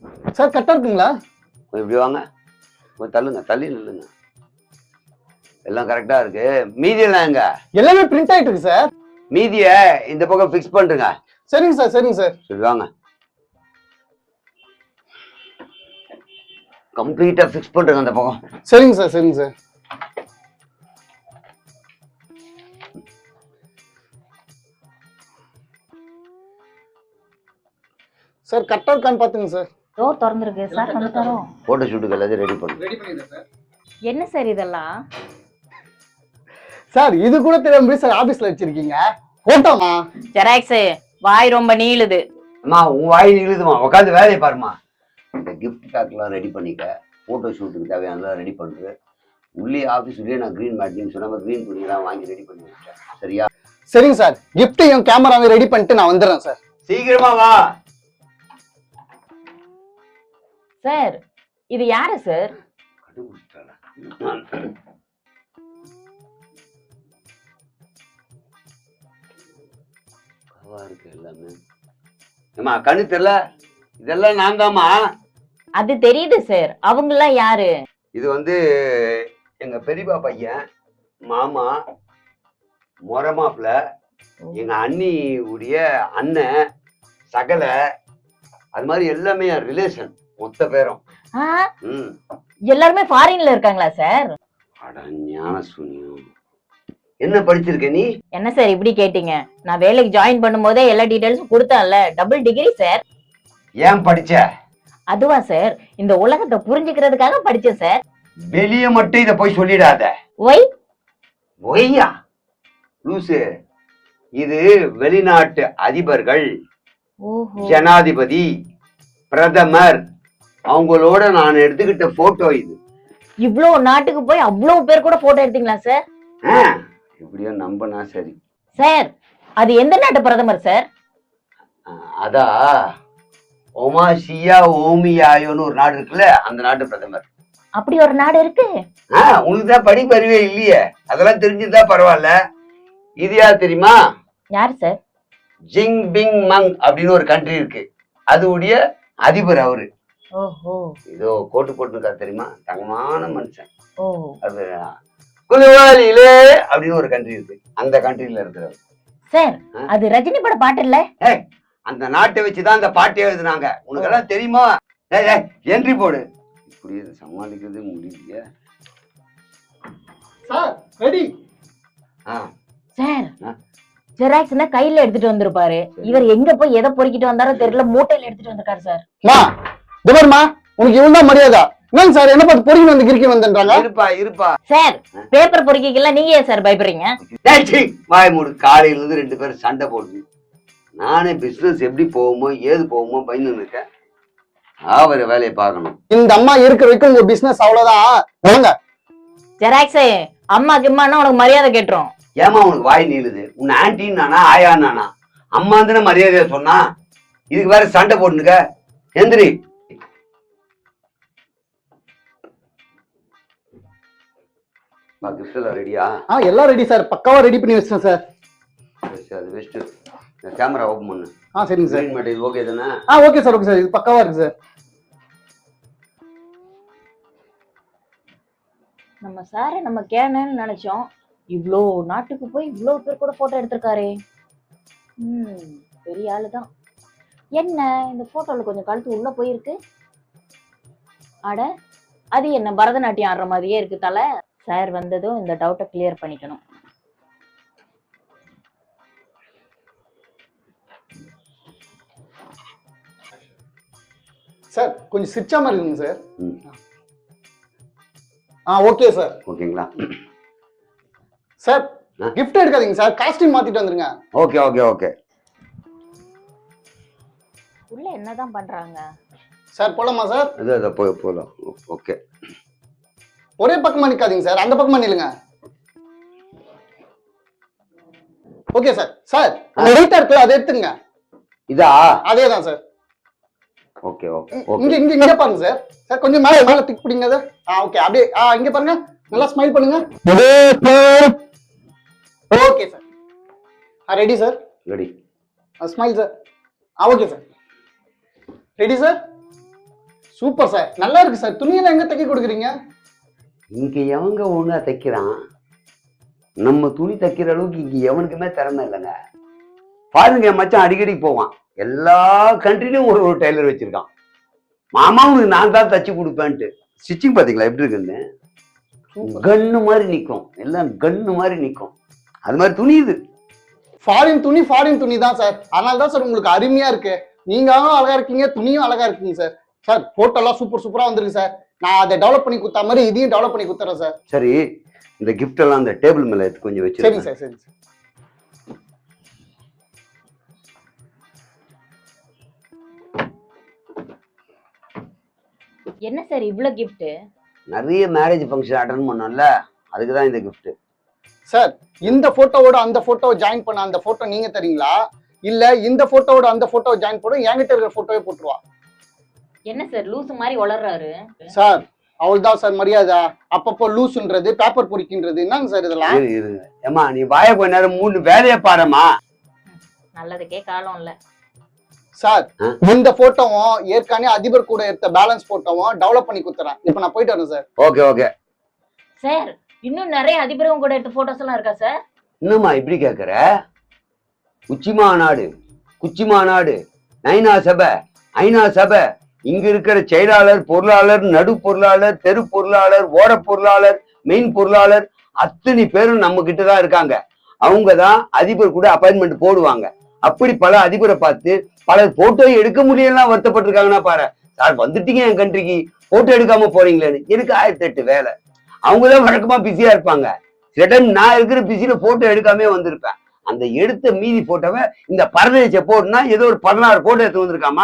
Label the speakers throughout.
Speaker 1: Sir கரெக்டா இருக்குங்களா?
Speaker 2: கொஞ்சம் இப்படி வாங்க, கொஞ்சம் தள்ளுங்க, தள்ளி நில்லுங்க. எல்லாம் கரெக்டா இருக்கு. மீதியெல்லாம் எங்க?
Speaker 1: எல்லாமே பிரிண்ட் ஆயிட்டு இருக்கு சார்.
Speaker 2: மீதிய இந்த பக்கம் ஃபிக்ஸ் பண்ணுங்க.
Speaker 1: சரிங்க சார், சரிங்க சார்.
Speaker 2: சரி வாங்க, கம்ப்ளீட்டா ஃபிக்ஸ் பண்ணுங்க அந்த பக்கம்.
Speaker 1: சரிங்க சார், சரிங்க சார். சார் கரெக்டா இருக்கான்னு பாத்துங்க சார்.
Speaker 3: டோர் திறந்துருக்கு சார், வந்துட்டாரோ?
Speaker 2: போட்டோ ஷூட்டுக்கு எல்லாத்தையும் ரெடி பண்ணுங்க.
Speaker 3: என்ன சார் இதெல்லாம்?
Speaker 1: சார் இது கூட தெரியாம சார் ஆபீஸ்ல வச்சிருக்கீங்க போட்டோமா?
Speaker 3: ஜெராக்ஸ் வாய் ரொம்ப நீளுது.
Speaker 2: அம்மா உன் வாய் நிழுதுமா, உட்காந்து வேலையை பாருமா. இந்த கிஃப்ட் பேக்லாம் ரெடி பண்ணிக்க, போட்டோ ஷூட்டுக்கு தேவையானலாம் ரெடி பண்ணுறது. உள்ளே ஆஃபீஸ் உள்ளே நான் க்ரீன் மேட்னு சொன்னால் க்ரீன் துணியெல்லாம் வாங்கி ரெடி பண்ணி வச்சேன். சரியா?
Speaker 1: சரிங்க சார். கிஃப்டையும் கேமராவையும் ரெடி பண்ணிட்டு நான் வந்துடுறேன் சார்.
Speaker 2: சீக்கிரமா வா.
Speaker 3: சார் இது யாரு சார்?
Speaker 2: இருக்கு எல்லாமே. ஏமா கண்ணு தெரியல? இதெல்லாம் நான் தாமா.
Speaker 3: அது தெரியுது சார். அவங்கெல்லாம் யாரு?
Speaker 2: இது வந்து எங்க பெரியப்பா பையன், மாமா, மொரமாப்ல, எங்க அண்ணி உடைய அண்ணன், சகல, அது மாதிரி எல்லாமே ரிலேஷன் மொத்த பேரும்.
Speaker 3: எல்லாருமே ஃபாரின்ல இருக்காங்களா சார்?
Speaker 2: அட ஞான சூன்யம். என்ன படிச்சிருக்க நீ?
Speaker 3: என்ன சார் இப்படி கேட்டீங்க? நான் வேலைக்கு ஜாயின் பண்ணும்போதே எல்லா டீடைல்ஸும் கொடுத்தேன்ல. Double degree sir.
Speaker 2: ஏன் படிச்ச?
Speaker 3: அதுவா சார், இந்த உலகத்தை புரிஞ்சுக்கிறதுக்காக படிச்சேன் சார்.
Speaker 2: வெளிய மட்டும் இத போய் சொல்லிடாத.
Speaker 3: ஒய்?
Speaker 2: ஒய்யா லூசு. இது வெளிநாட்டு அதிபர்கள், ஜனாதிபதி, பிரதமர், அவங்களோட நான் எடுத்துக்கிட்ட போட்டோ இது.
Speaker 3: இவ்வளவு நாட்டுக்கு போய் அவ்வளவு பேர் கூட போட்டோ எடுத்தீங்களா சார்?
Speaker 2: எப்படியோ நம்பனா சரி.
Speaker 3: சார் அது எந்த நாட்டு பிரதமர் சார்?
Speaker 2: அதா ஒமாசியா ஓமியாயோன்னு ஒரு நாடு இருக்குல்ல, அந்த நாட்டு பிரதமர்.
Speaker 3: அப்படி ஒரு நாடு இருக்கு?
Speaker 2: உனக்கு தான் படிப்பு அறிவே இல்லையே, அதெல்லாம் தெரிஞ்சுதா பரவாயில்ல. இது யார் தெரியுமா?
Speaker 3: யார் சார்?
Speaker 2: ஜிங் பிங் மங் அப்படின்னு ஒரு கண்ட்ரி இருக்கு, அதுடைய அதிபர் அவரு.
Speaker 3: ஓஹோ.
Speaker 2: இதோ கோட்டு போட்டுருக்கா தெரியுமா, தங்கமான மனுஷன்.
Speaker 3: ஓ.
Speaker 2: அது குலுவாலிலே அப்படின்னு ஒரு கண்ட்ரி இருக்கு, அந்த கண்ட்ரில இருக்கிறவர்.
Speaker 3: சார் அது ரஜினி பட பாட்டு இல்ல?
Speaker 2: அந்த நாட்டை வச்சுதான் அந்த பாட்டே எழுதுனாங்க. உனக்கு எல்லாம் தெரியுமா? என்ட்ரி போடு. இப்படி சமாளிக்கிறது முடியல.
Speaker 1: Sir ready.
Speaker 3: சார் ஜெராக்ஸ்னா கையில எடுத்துட்டு வந்திருப்பாரு. இவர் எங்க போய் எதை பொறுக்கிட்டு வந்தாரோ தெரியல, மூட்டையில எடுத்துட்டு வந்திருக்காரு சார்.
Speaker 1: துபர்மா உனக்கு இவ்வளவு மரியாதை? என்னங்க சார் என்ன பார்த்து பொறுக்கி வந்து கிறுக்கி வந்துன்றாங்க?
Speaker 2: இருப்பா இருப்பா.
Speaker 3: சார் பேப்பர் பொறுக்கிக்கலாம் நீங்க ஏன் சார் பயப்படுறீங்க?
Speaker 2: வாய் மூடு. காலையில இருந்து 2 பேரும் சண்டை போடுது. நானே பிசினஸ் எப்படி போகுமோ ஏது போகுமோ பயந்து இருக்கேன். அவர வேலையை பார்க்கணும்.
Speaker 1: இந்த அம்மா இருக்கிற வரைக்கும் உங்க பிசினஸ் அவ்வளவுதான்.
Speaker 3: ஜெராக்ஸ் அம்மா கிம்மானா உனக்கு மரியாதை கேட்டுரும்.
Speaker 2: ஏமா உனக்கு வாய் நீளுது? உன் ஆன்டின்னு நானா ஆயா நானா? அம்மா தானே மரியாதையா சொன்னா, இதுக்கு வேற சண்டை போட்டுனுக்க. எந்திரி. ரெடியா?
Speaker 1: எல்லாம் ரெடி சார், பக்காவா ரெடி பண்ணி வச்சிட்டேன் சார்.
Speaker 2: அது பெஸ்ட். கேமரா ஓபன் பண்ணு.
Speaker 1: சரிங்க சார்.
Speaker 2: மேட் இது ஓகே தானே?
Speaker 1: ஓகே சார், ஓகே சார், இது பக்காவா இருக்கு சார்.
Speaker 3: நம்ம சாரை நம்ம கேனன்னு நினைச்சோம். இவ்வளோ நாட்டுக்கு போய் இவ்வளோ பேர் கூட போட்டோ எடுத்திருக்காரு. பெரிய ஆளுதான். என்ன இந்த போட்டோல கொஞ்சம் கழுத்து உள்ள போயிருக்கு. அட அது என்ன பரதநாட்டியம் ஆடுற மாதிரியே இருக்கு தலை. சார் வந்ததும் இந்த டவுட்டை கிளியர் பண்ணிக்கணும்.
Speaker 1: சார் கொஞ்சம் சிரிச்சா மாதிரி இருக்குங்க சார். Okay sir.
Speaker 2: ஓகேங்களா
Speaker 1: சார்? கிஃப்ட் எடுக்காதீங்க சார், காஸ்டியூம் மாத்திட்டு வந்துருங்க.
Speaker 2: Okay okay okay.
Speaker 3: உள்ள என்னதான் பண்றாங்க
Speaker 1: சார்? போலாமா சார்?
Speaker 2: அது போலாம். ஓகே.
Speaker 1: ஒரே பக்கமா நிக்காதீங்க சார், அந்த பக்கமா நில்லுங்க. Okay sir. சார் ரைட்டா இருக்குல்ல, அதை எடுத்துங்க.
Speaker 2: இதா?
Speaker 1: அதேதான் சார்.
Speaker 2: Okay okay.
Speaker 1: இங்க இங்க இங்க பாருங்க சார். சார் கொஞ்சம் மேல மேல டிக் பிடிங்க சார். ஓகே அப்படியே இங்க பாருங்க, நல்லா ஸ்மைல் பண்ணுங்க. Okay sir. Ready sir?
Speaker 2: Ready.
Speaker 1: Smile sir. Okay sir. Ready sir? Super sir, நல்லா இருக்கு சார். துணியெல்லாம் எங்க தைக்க கொடுக்குறீங்க?
Speaker 2: இங்க எவங்க ஒழுங்கா தைக்கிறான்? நம்ம துணி தைக்கிற அளவுக்கு இங்க எவனுக்குமே திறமை இல்லைங்க. பாருங்க, என் மச்சான் அடிக்கடி போவான். எல்லா கண்ட்ரிலையும் ஒரு ஒரு டெய்லர் வச்சிருக்கான். மாமாவுக்கு நான் தான் தச்சு கொடுப்பேன்ட்டு. ஸ்டிச்சிங் பாத்தீங்களா எப்படி இருக்குன்னு? கன்னு மாதிரி நிக்கும், எல்லாம் கன்னு மாதிரி நிக்கும். அது மாதிரி துணி இது.
Speaker 1: ஃபாரின் துணி தான் சார். அதனால தான் சார் உங்களுக்கு அருமையா இருக்கு. நீங்களும் அழகா இருக்கீங்க, துணியும் அழகா இருக்குங்க சார். சார் போட்டோலாம் சூப்பரா வந்திருக்கு சார். நான் அதை டெவலப் பண்ணி கொடுத்த மாதிரி இதையும் டெவலப் பண்ணி கொடுத்துறேன் சார்.
Speaker 2: சரி, இந்த கிஃப்ட் எல்லாம் அந்த டேபிள் மேல எடுத்து கொஞ்சம் வச்சு.
Speaker 1: சரிங்க சார், சரிங்க சார்.
Speaker 3: என்ன சார் இவ்வளவு கிஃப்ட்?
Speaker 2: நிறைய மேரேஜ் ஃபங்க்ஷன் அட்டன் பண்ணோம்ல, அதுக்கு தான் இந்த கிஃப்ட்.
Speaker 1: சார், இந்த போட்டோவோட அந்த போட்டோவை ஜாயின் பண்ண அந்த போட்டோ நீங்க தரீங்களா, இல்ல இந்த போட்டோவோட அந்த போட்டோவை ஜாயின் பண்ண என்கிட்ட இருக்கிற போட்டோவே போட்டுருவா?
Speaker 3: என்ன சார் லூசு மாதிரி வளர்றாரு
Speaker 1: சார்? அவள்தான் சார் மரியாதை. அப்பப்போ லூசுன்றது, பேப்பர் பொறிக்கின்றது, என்னங்க சார் இதெல்லாம்?
Speaker 2: ஏமா நீ வாய கொஞ்ச நேரம் மூணு வேலையை பாருமா.
Speaker 3: நல்லதுக்கே காலம் இல்ல
Speaker 1: சார். இந்த போட்டோவும் ஏற்கனவே அதிபர் கூட எடுத்த பேலன்ஸ் போட்டோவும் டெவலப் பண்ணி கொடுத்துறேன். இப்ப நான் போயிட்டு வரேன் சார்.
Speaker 2: Okay okay
Speaker 3: sir. இன்னும் நிறைய அதிபரும் கூட எடுத்த போட்டோஸ் எல்லாம் இருக்கா சார்?
Speaker 2: இன்னுமா இப்படி கேக்குற? குச்சி மாநாடு, நைனா சபை, ஐநா சபை, இங்க இருக்கிற செயலாளர், பொருளாளர், நடு பொருளாளர், தெரு பொருளாளர், ஓர பொருளாளர், மெயின் பொருளாளர் அத்தனை பேரும் நம்ம கிட்டதான் இருக்காங்க. அவங்கதான் அதிபர் கூட அப்பாயின்மெண்ட் போடுவாங்க. அப்படி பல அதிபரை பார்த்து பல போட்டோ எடுக்க முடியலாம் வருத்தப்பட்டிருக்காங்கன்னா பாரு. சார் வந்துட்டீங்க என் கண்ட்ரிக்கு, போட்டோ எடுக்காம போறீங்களேன்னு. எனக்கு 1008 வேலை. அவங்கதான் வழக்கமா பிஸியா இருப்பாங்க. சில டைம் நான் இருக்கிற பிஸியில போட்டோ எடுக்காமே வந்திருப்பேன். அந்த எடுத்த மீதி போட்டோவை இந்த பரதேச போட்டுனா ஏதோ ஒரு 16 போட்டோ எடுத்து வந்திருக்காமா.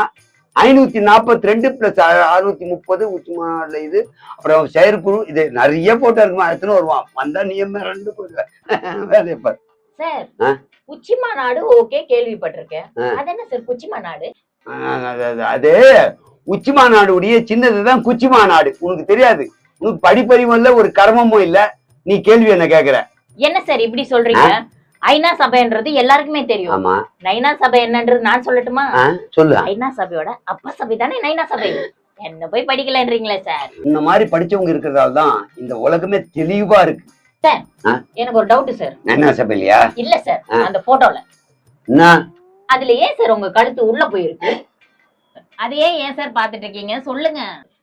Speaker 2: 542 பிளஸ் 630 உச்சி மாநாடுல இது, அப்புறம் செயற்குழு, இது நிறைய போட்டோ இருக்குமா. எடுத்துன்னு வருவான். வந்தா நீ ரெண்டு போயிடுவேன் வேலையை பாரு.
Speaker 3: சார் உச்சி மாநாடு ஓகே, கேள்விப்பட்டிருக்கேன். அது என்ன சார் குச்சி மாநாடு?
Speaker 2: அது உச்சி மாநாடு சின்னதுதான் குச்சி மாநாடு. உனக்கு தெரியாது, உனக்கு படிப்பறிவும் இல்ல, ஒரு கர்மமும் இல்ல. நீ கேள்வி என்ன கேக்குற?
Speaker 3: என்ன சார் இப்படி சொல்றீங்க? ஐநா சபைன்றது எல்லாருக்குமே தெரியும்.
Speaker 2: ஆமா.
Speaker 3: நைனா சபை என்னன்றது நான் சொல்லட்டுமா?
Speaker 2: சொல்லு.
Speaker 3: ஐநா சபையோட அப்பா சபை தானே நைனா சபை. என்ன போய் படிக்கலன்றீங்களே சார்?
Speaker 2: இந்த மாதிரி படிச்சவங்க இருக்கிறதால தான் இந்த உலகமே தெளிவா இருக்கு.
Speaker 3: சார் எனக்கு ஒரு டவுட் சார்.
Speaker 2: நைனா சபை இல்லையா?
Speaker 3: இல்ல சார், அந்த போட்டோல
Speaker 2: என்ன
Speaker 3: அதுல ஏன் சார் உங்க கழுத்து உள்ள போயிருக்கு? அதையே ஏன் சார் பாத்துட்டு இருக்கீங்க சொல்லுங்க.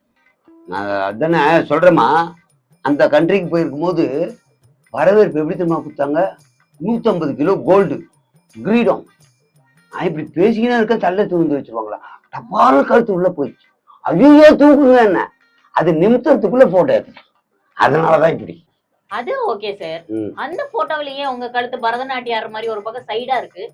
Speaker 2: அதானே சொல்றேமா. அந்த கண்ட்ரிக்கு போயிருக்கும் போது வரவேற்பு எப்படி தெரியுமா கொடுத்தாங்க? 150 கிலோ கோல்டு கிரீடம். நான் இப்படி பேசிக்கினா இருக்க தள்ள தூந்து வச்சிருவாங்களா, டப்பால கழுத்து உள்ள போயிடுச்சு. ஐயோ தூக்குங்க என்ன, அது நிமிஷத்துக்குள்ள போட்டோ எடுத்து. அதனாலதான் இப்படி.
Speaker 3: அது ஓகே சார். அந்த போட்டோவிலேயே உங்க கழுத்து பரதநாட்டியம் ஆடுற மாதிரி ஒரு பக்கம் சைடா இருக்கு.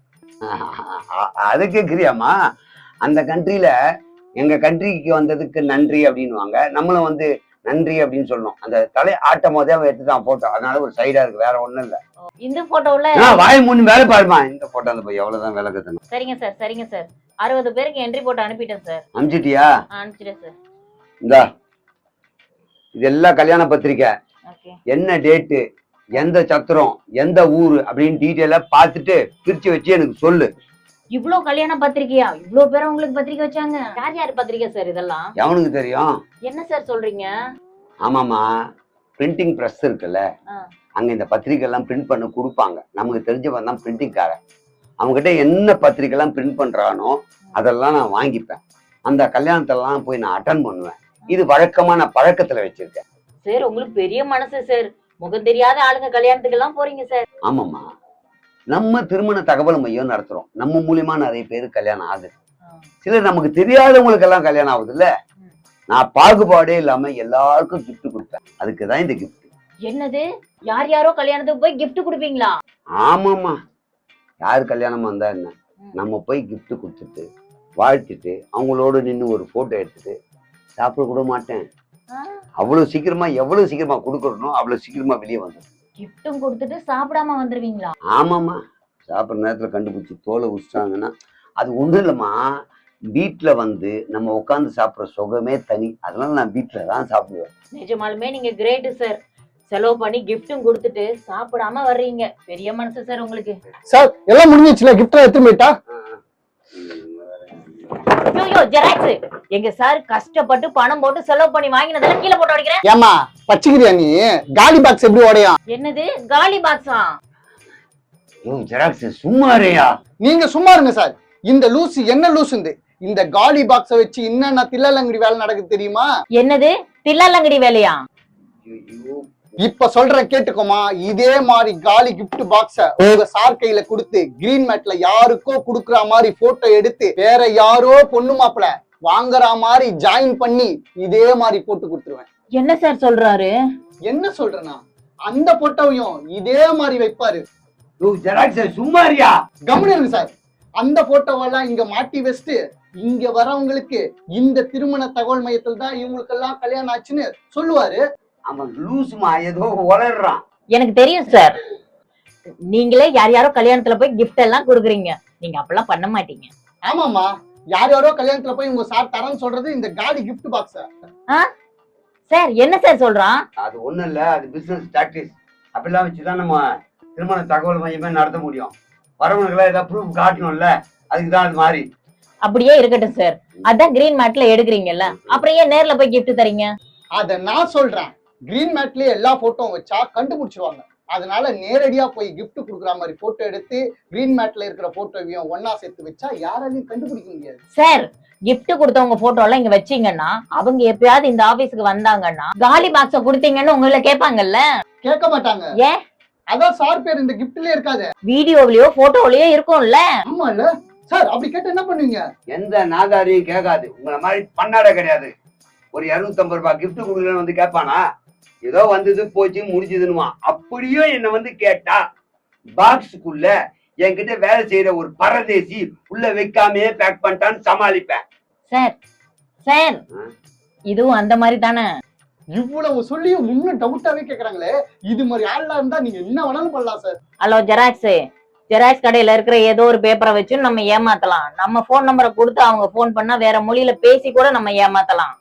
Speaker 2: அது கேக்குறியாமா? அந்த கண்ட்ரியில எங்க கண்ட்ரிக்கு வந்ததுக்கு நன்றி அப்படின்னுவாங்க. நம்மளும் வந்து நன்றி அப்படின்னு சொல்லணும். அந்த தலை ஆட்டம் போதே அவன் எடுத்துதான் போட்டோ. அதனால ஒரு சைடா இருக்கு, வேற ஒண்ணும் இல்ல.
Speaker 3: இந்த போட்டோல
Speaker 2: வாய் மூணு வேலை பாருமா. இந்த போட்டோ அந்த போய் எவ்வளவுதான் வேலை கட்டணும்.
Speaker 3: சரிங்க சார், சரிங்க சார். 60 பேருக்கு என்ட்ரி போட்டு அனுப்பிட்டேன் சார்.
Speaker 2: அனுப்பிச்சிட்டியா?
Speaker 3: அனுப்பிச்சிட்டேன் சார்.
Speaker 2: இந்தா இதெல்லாம் கல்யாண பத்திரிக்கை, என்ன டேட்டு, எந்த சத்திரம், எந்த ஊரு அப்படின்னு டீட்டெயிலா பார்த்துட்டு பிரிச்சு வச்சு எனக்கு சொல்லு.
Speaker 3: இவ்வளவு கல்யாண பத்திரிக்கையா? இவ்வளவு பேர் உங்களுக்கு பத்திரிக்கை வச்சாங்க? யார் யார் பத்திரிக்கை சார் இதெல்லாம்?
Speaker 2: எவனுக்கு தெரியும்?
Speaker 3: என்ன சார் சொல்றீங்க?
Speaker 2: ஆமாமா, பிரிண்டிங் பிரஸ் இருக்குல்ல, அங்க இந்த பத்திரிக்கை எல்லாம் பிரிண்ட் பண்ண கொடுப்பாங்க. நமக்கு தெரிஞ்சவன் தான் பிரிண்டிங்காரன். அவங்ககிட்ட என்ன பத்திரிக்கை எல்லாம் பிரிண்ட் பண்றானோ அதெல்லாம் நான் வாங்கிப்பேன். அந்த கல்யாணத்தெல்லாம் போய் நான் அட்டன் பண்ணுவேன். இது வழக்கமா நான் பழக்கத்துல வச்சிருக்கேன்.
Speaker 3: சார் உங்களுக்கு பெரிய மனசு சார். முகம் தெரியாத ஆளுங்க கல்யாணத்துக்கு எல்லாம் போறீங்க சார்.
Speaker 2: ஆமாமா, நம்ம திருமண தகவல் மையம் நடத்துறோம். நம்ம மூலியமா நிறைய பேரு கல்யாணம் ஆகுது. சிலர் நமக்கு தெரியாதவங்களுக்கு எல்லாம் கல்யாணம் ஆகுது இல்ல. நான் பாகுபாடே இல்லாம எல்லாருக்கும் கிஃப்ட் கொடுப்பேன். அதுக்குதான் இந்த கிஃப்ட்.
Speaker 3: என்னது, யார் யாரோ கல்யாணத்துக்கு போய் கிஃப்ட் கொடுப்பீங்களா?
Speaker 2: ஆமாமா, யாரு கல்யாணமா இருந்தா என்ன, நம்ம போய் கிஃப்ட் கொடுத்துட்டு வாழ்த்துட்டு அவங்களோட நின்று ஒரு போட்டோ எடுத்துட்டு சாப்பிட கூட மாட்டேன். அவ்வளவு சீக்கிரமா, எவ்வளவு சீக்கிரமா கொடுக்கறனோ அவ்வளவு சீக்கிரமா வெளியே வந்துடும்.
Speaker 3: கிஃப்டும் கொடுத்துட்டு சாப்பிடாம வந்துருவீங்களா?
Speaker 2: ஆமாமா, சாப்பிட்ற நேரத்துல கண்டுபிடிச்சி தோலை உச்சிட்டாங்கன்னா அது ஒண்ணும் இல்லம்மா. வீட்டுல வந்து நம்ம உட்காந்து சாப்பிட்ற சுகமே தனி. அதனால நான் வீட்டுல தான் சாப்பிடுவேன்.
Speaker 3: நிஜமாலுமே நீங்க கிரேட் சார். செலவு பண்ணி கிஃப்டும் கொடுத்துட்டு சாப்பிடாம வர்றீங்க. பெரிய மனசு சார் உங்களுக்கு.
Speaker 1: சார் எல்லாம் முடிஞ்சிச்சுல, கிஃப்ட் எடுத்து போயிட்டா?
Speaker 3: ஐயோ ஜெராக்ஸ், எங்க சார் கஷ்டப்பட்டு பணம் போட்டு செலவு பண்ணி வாங்கினதெல்லாம் கீழே போட்டு உடைக்கிறேன்.
Speaker 1: ஏமா பச்சிக்கிறியா நீ? காலி பாக்ஸ் எப்படி உடையும்?
Speaker 3: என்னது காலி பாக்ஸா?
Speaker 2: ஜெராக்ஸ் சும்மா இருயா.
Speaker 1: நீங்க சும்மா இருங்க சார். இந்த லூசு என்ன லூசுந்து இந்த காலி பாக்ஸ வச்சு என்னென்ன தில்லலங்கடி வேலை நடக்குது தெரியுமா?
Speaker 3: என்னது தில்லாலங்கடி வேலையா?
Speaker 1: இப்ப சொல்றேன் கேட்டுக்கோமா. இதே மாதிரி காலி கிஃப்ட் பாக்ஸ உங்க சார் கையில கொடுத்து கிரீன் மேட்ல யாருக்கோ குடுக்குற மாதிரி போட்டோ எடுத்து வேற யாரோ பொண்ணு மாப்பிள வாங்குற மாதிரி ஜாயின் பண்ணி இதே மாதிரி போட்டு கொடுத்துருவேன்.
Speaker 3: என்ன சார் சொல்றாரு?
Speaker 1: என்ன சொல்றேன்னா அந்த போட்டோவையும் இதே மாதிரி வைப்பாரு.
Speaker 2: ஜெராக்ஸ் சும்மா இருயா.
Speaker 1: கவனிங்க சார். அந்த போட்டோவெல்லாம் இங்க மாட்டி வச்சுட்டு இங்க வரவங்களுக்கு இந்த திருமண தகவல் மையத்தில் தான் இவங்களுக்கு எல்லாம் கல்யாணம் ஆச்சுன்னு சொல்லுவாரு.
Speaker 2: அவன் லூசுமா ஏதோ வளர்றான்.
Speaker 3: எனக்கு தெரியும் சார். நீங்களே யார் யாரோ கல்யாணத்துல போய் கிஃப்ட் எல்லாம் கொடுக்குறீங்க. நீங்க அப்பெல்லாம் பண்ண மாட்டீங்க.
Speaker 1: ஆமாமா, யார் யாரோ கல்யாணத்துல போய் உங்க சார் தரேன்னு சொல்றது இந்த காலி கிஃப்ட் பாக்ஸ்.
Speaker 3: சார் என்ன சார் சொல்றான்?
Speaker 2: அது ஒண்ணும் இல்ல, அது பிசினஸ் டாக்டிக்ஸ். அப்படிலாம் வச்சுதான் நம்ம திருமண தகவல் மையமே நடத்த முடியும். வரவனுக்குலாம் ஏதாவது ப்ரூஃப் காட்டணும்ல, அதுக்குதான் அது மாதிரி.
Speaker 3: அப்படியே இருக்கட்டும் சார். அதான் கிரீன் மேட்ல எடுக்கிறீங்கல்ல, அப்புறம் ஏன் நேர்ல போய் கிஃப்ட் தரீங்க?
Speaker 1: அத நான் சொல்றேன். கிரீன் மேட்லயே எல்லா போட்டோவும் வச்சா கண்டுபிடிச்சிருவாங்க. அதனால நேரடியா போய் கிஃப்ட் கொடுக்குற மாதிரி போட்டோ எடுத்து கிரீன் மேட்ல இருக்கிற போட்டோவையும் ஒன்னா சேர்த்து வச்சா யாராலையும் கண்டுபிடிக்க முடியாது.
Speaker 3: சார் கிஃப்ட் கொடுத்தவங்க போட்டோ எல்லாம் இங்க வச்சீங்கன்னா அவங்க எப்பயாவது இந்த ஆபீஸ்க்கு வந்தாங்கன்னா காலி பாக்ஸ கொடுத்தீங்கன்னு உங்களை கேட்பாங்கல்ல?
Speaker 1: கேட்க மாட்டாங்க.
Speaker 3: ஏன்?
Speaker 1: அதான் சார் பேர் இந்த கிஃப்ட்லயே இருக்காது.
Speaker 3: வீடியோலயோ போட்டோலயோ இருக்கும்ல.
Speaker 1: ஆமா இல்ல சார்? அப்படி கேட்டு என்ன பண்ணுவீங்க?
Speaker 2: எந்த நாதாரியும் கேட்காது. உங்களை மாதிரி பண்ணாட கிடையாது. ஒரு 250 ரூபாய் கிஃப்ட் கொடுக்கலன்னு வந்து கேட்பானா? ஏதோ வந்தது போச்சு முடிஞ்சதுன்னுமா. அப்படியே என்ன வந்து கேட்டா பாக்ஸுக்குள்ள என்கிட்ட வேலை செய்யற ஒரு பரதேசி உள்ள வைக்காமே பேக் பண்ணிட்டான்னு சமாளிப்பேன்.
Speaker 3: சார் சார் இதுவும் அந்த மாதிரி தானே?
Speaker 1: இவ்வளவு சொல்லியும் இன்னும் டவுட்டாவே கேக்குறாங்களே. இது மாதிரி ஆள்லாம் இருந்தா நீங்க என்ன வேணாலும் பண்ணலாம் சார்.
Speaker 3: ஹலோ ஜெராக்ஸ், ஜெராக்ஸ் கடையில இருக்கிற ஏதோ ஒரு பேப்பரை வச்சு நம்ம ஏமாத்தலாம். நம்ம போன் நம்பரை கொடுத்து அவங்க போன் பண்ணா வேற மொழியில பேசி கூட நம்ம ஏமாத்தலாம்.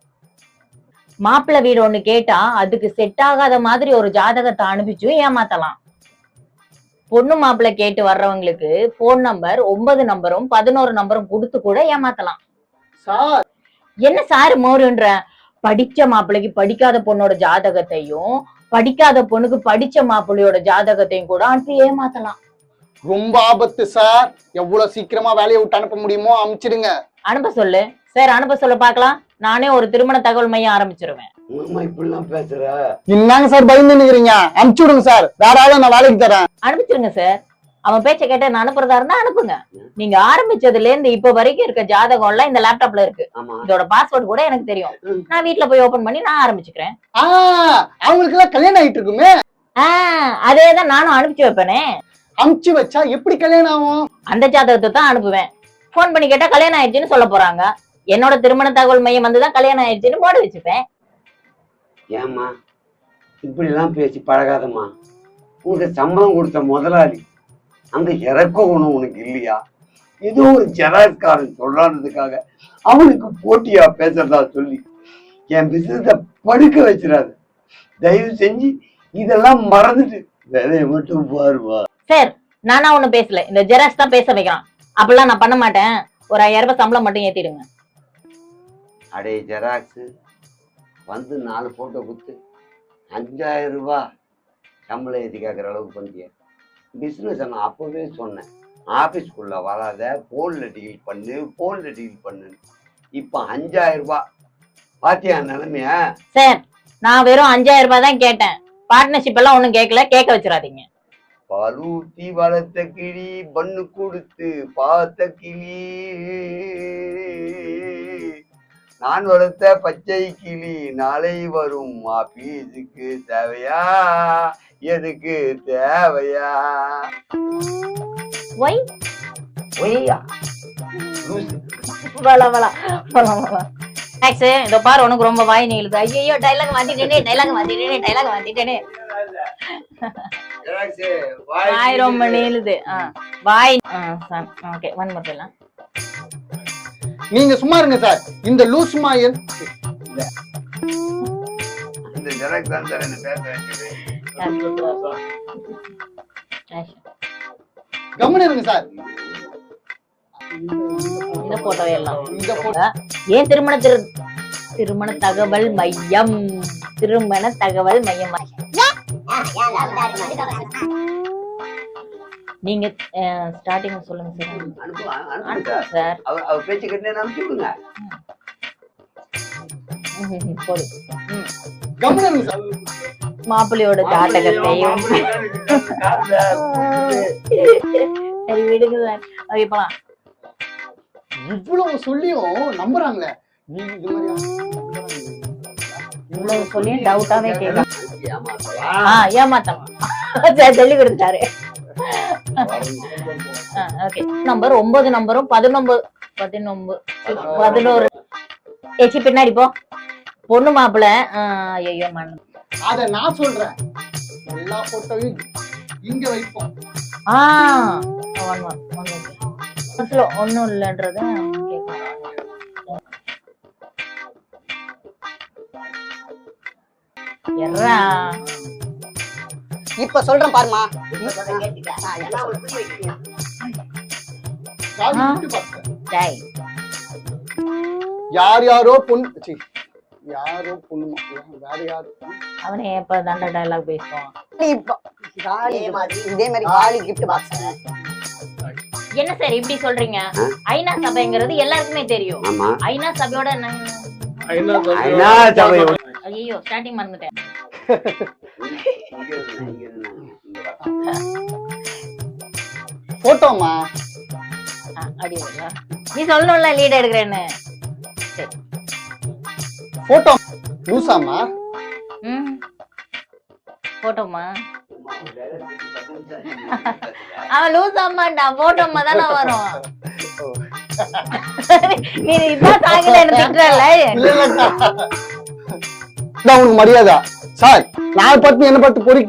Speaker 3: மாப்பிள்ளை வீடு ஒண்ணு கேட்டா அதுக்கு செட் ஆகாத மாதிரி ஒரு ஜாதகத்தை அனுப்பிச்சு ஏமாத்தலாம். பொண்ணு மாப்பிள்ளை கேட்டு வர்றவங்களுக்கு போன் நம்பர் 9 நம்பரும் 11 நம்பரும் கொடுத்து கூட ஏமாத்தலாம்.
Speaker 1: சார்
Speaker 3: என்ன சார் மோருன்ற? படிச்ச மாப்பிள்ளைக்கு படிக்காத பொண்ணோட ஜாதகத்தையும் படிக்காத பொண்ணுக்கு படிச்ச மாப்பிள்ளையோட ஜாதகத்தையும் கூட அனுப்பி ஏமாத்தலாம்.
Speaker 1: ரொம்ப ஆபத்து சார். எவ்வளவு சீக்கிரமா வேலையை விட்டு அனுப்ப முடியுமோ அனுப்பிச்சிடுங்க.
Speaker 3: அனுப்ப சொல்லு சார், அனுப்ப சொல்ல பாக்கலாம். நானே ஒரு திருமண தகவல் மையம் ஆரம்பிச்சிருவேன்.
Speaker 2: இப்படிலாம் பேசுற
Speaker 1: என்னங்க சார் பயந்து நிக்கிறீங்க? அனுப்பிச்சு விடுங்க சார். வேற ஆளும் நான் வேலைக்கு தரேன்.
Speaker 3: அனுப்பிச்சிருங்க சார். அவன் பேச்ச கேட்ட நான் அனுப்புறதா இருந்தா அனுப்புங்க. நீங்க ஆரம்பிச்சதுல இருந்து இப்ப வரைக்கும் இருக்க ஜாதகம் எல்லாம் இந்த லேப்டாப்ல இருக்கு. இதோட பாஸ்வேர்ட் கூட எனக்கு தெரியும். நான் வீட்டுல போய் ஓபன் பண்ணி நான் ஆரம்பிச்சுக்கிறேன்.
Speaker 1: அவங்களுக்கு எல்லாம் கல்யாணம் ஆயிட்டு இருக்குமே.
Speaker 3: அதேதான் நானும் அனுப்பிச்சு வைப்பேனே.
Speaker 1: அனுப்பிச்சு வச்சா எப்படி கல்யாணம் ஆகும்?
Speaker 3: அந்த ஜாதகத்தை தான் அனுப்புவேன். போன் பண்ணி கேட்டா கல்யாணம் ஆயிடுச்சுன்னு சொல்ல போறாங்க. என்னோட திருமண தகவல் மையம் வந்துதான் கல்யாணம் ஆயிடுச்சுன்னு போட வச்சுப்பேன்.
Speaker 2: ஏம்மா இப்படி எல்லாம் பேசி பழகாதம்மா. உனக்கு சம்பளம் கொடுத்த முதலாளி அந்த இறக்க குணம் உனக்கு இல்லையா? ஏதோ ஒரு ஜெராக்ஸ்காரன் சொல்றான்றதுக்காக அவனுக்கு போட்டியா பேசுறதா சொல்லி என் பிசினஸ படுக்க வச்சிடாது. தயவு செஞ்சு இதெல்லாம் மறந்துட்டு வேலையை மட்டும் பாருவா.
Speaker 3: சார் நானா ஒண்ணும் பேசல, இந்த ஜெராக்ஸ் தான் பேச வைக்கிறான். அப்படிலாம் நான் பண்ண மாட்டேன். ஒரு 5000 ரூபாய் சம்பளம் மட்டும் ஏத்திடுங்க.
Speaker 2: அடே ஜெராக்ஸ் வந்து 4 போட்டோ கொடுத்து 5000 ரூபாய் சம்பளம் ஏற்றி கேட்குற அளவுக்கு பண்ணிய பிஸ்னஸ். நான் அப்போவே சொன்னேன், ஆஃபீஸ்க்குள்ளே வராத, ஃபோனில் டீல் பண்ணு. இப்போ 5000 ரூபாய் பாத்தியா நிலைமைய?
Speaker 3: சார் நான் வெறும் 5000 ரூபாய் தான் கேட்டேன். பார்ட்னர்ஷிப் எல்லாம் ஒன்றும் கேட்கல. கேட்க வச்சிடாதீங்க.
Speaker 2: பலூத்தி வளர்த்த கிளி பண்ணு கொடுத்து பார்த்த கிளி, நான் வளர்த்த பச்சை கிளி நாளை வரும் ஆபீஸுக்கு தேவையா? எதுக்கு தேவையா?
Speaker 3: ஒய்
Speaker 2: ஒய்யா
Speaker 3: இதோ பாரு, உனக்கு ரொம்ப வாய் நீளுது. ஐயோ டைலாக் மாத்திட்டேனே. வாய் ரொம்ப நீளுது. வாய் ஓகே ஒன் மோர் டைம்.
Speaker 1: நீங்க சும்மா இருங்க சார். இந்த லூஸ் மாயன்
Speaker 2: இந்த ஜெராக்ஸ் தான் சார் என்ன பேச வைக்குது.
Speaker 1: கவனம் இருங்க சார்.
Speaker 3: இந்த போட்டோ எல்லாம்
Speaker 1: இந்த photo.
Speaker 3: ஏன் திருமண தகவல் மையம் திருமண தகவல் மையம் நீங்க ஸ்டார்டிங் சொல்லுங்க சார்.
Speaker 2: அனுப்புங்க
Speaker 3: சார்
Speaker 2: அவர் பேச்சு கேட்டு அனுப்பிச்சு விடுங்க.
Speaker 3: போடு.
Speaker 1: கம்முனு இருங்க சார்.
Speaker 3: மாப்பிள்ளையோட ஜாதகத்தையும் சரி விடுங்க சார். ஓகே போலாம்.
Speaker 1: இவ்வளவு சொல்லியும் நம்புறாங்களே நீங்க இது மாதிரியா
Speaker 3: இவ்வளவு சொல்லியும் டவுட்டாவே கேட்க
Speaker 2: ஏமாத்தலாம்.
Speaker 3: ஏமாத்தலாம் சரி சொல்லி கொடுத்துட்டாரு. ஓகே நம்பர் 9 நம்பரும் 11 ஏச்சி பின்னாடி போ. பொண்ணு மாப்பிள்ள ஐயோ மண்
Speaker 1: அத நான் சொல்றேன். எல்லா போட்டோவையும் இங்க வைப்போம்.
Speaker 3: ஒண்ணும் இல்லன்றத கேட்கலாம். எர்ரா
Speaker 4: இப்ப சொல்றேன் பாருமா.
Speaker 1: காது விட்டு பார்த்தேன்.
Speaker 3: டேய்
Speaker 1: யார் யாரோ பொண்ணு ச்சீ, யாரோ பொண்ணு வேற யாரு
Speaker 3: அவனே எப்ப தண்ட டயலாக் பேசுவான்.
Speaker 4: இப்ப காலி இதே மாதிரி காலி gift box.
Speaker 3: என்ன சார் இப்படி சொல்றீங்க? ஐநா சபைங்கிறது எல்லாருக்குமே தெரியும்.
Speaker 2: ஆமா.
Speaker 3: ஐநா சபையோட
Speaker 2: ஐநா சபை.
Speaker 3: ஐயோ ஸ்டார்டிங் மறந்துட்டேன்.
Speaker 1: போட்டோமா
Speaker 3: அடி நீ சொல்லணும்ல லீட் எடுக்கிறேன்னு.
Speaker 1: போட்டோ லூசாமா
Speaker 3: போட்டோமா அவன் லூஸ் ஆமாண்டா போட்டோமா தானே வரும். நீ இதான் தாங்கல என்ன திட்டுறல.
Speaker 1: உனக்கு மரியாதை சார். நான் பார்த்து என்ன பார்த்து பொறி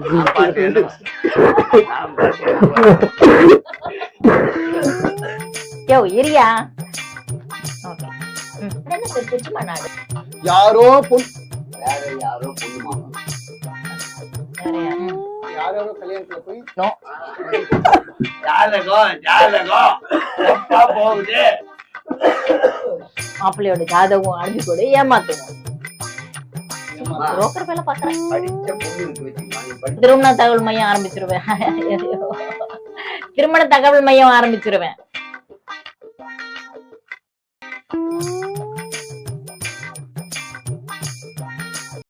Speaker 3: யோ இரியா. ஓகே என்ன சார் சும்மா நாடு
Speaker 1: யாரோ பொண்ணு
Speaker 2: வேற யாரோ பொண்ணு மாமா.
Speaker 1: யாரோ கல்யாணத்துல போய்
Speaker 2: போகுது.
Speaker 3: மாப்பிள்ளையோட ஜாதகம் அனுப்பி கொடு ஏமாத்துவோம். புரோக்கர் வேலை பாக்குறேன். திருமண தகவல் மையம் ஆரம்பிச்சிருவேன். திருமண தகவல் மையம் ஆரம்பிச்சிருவேன்.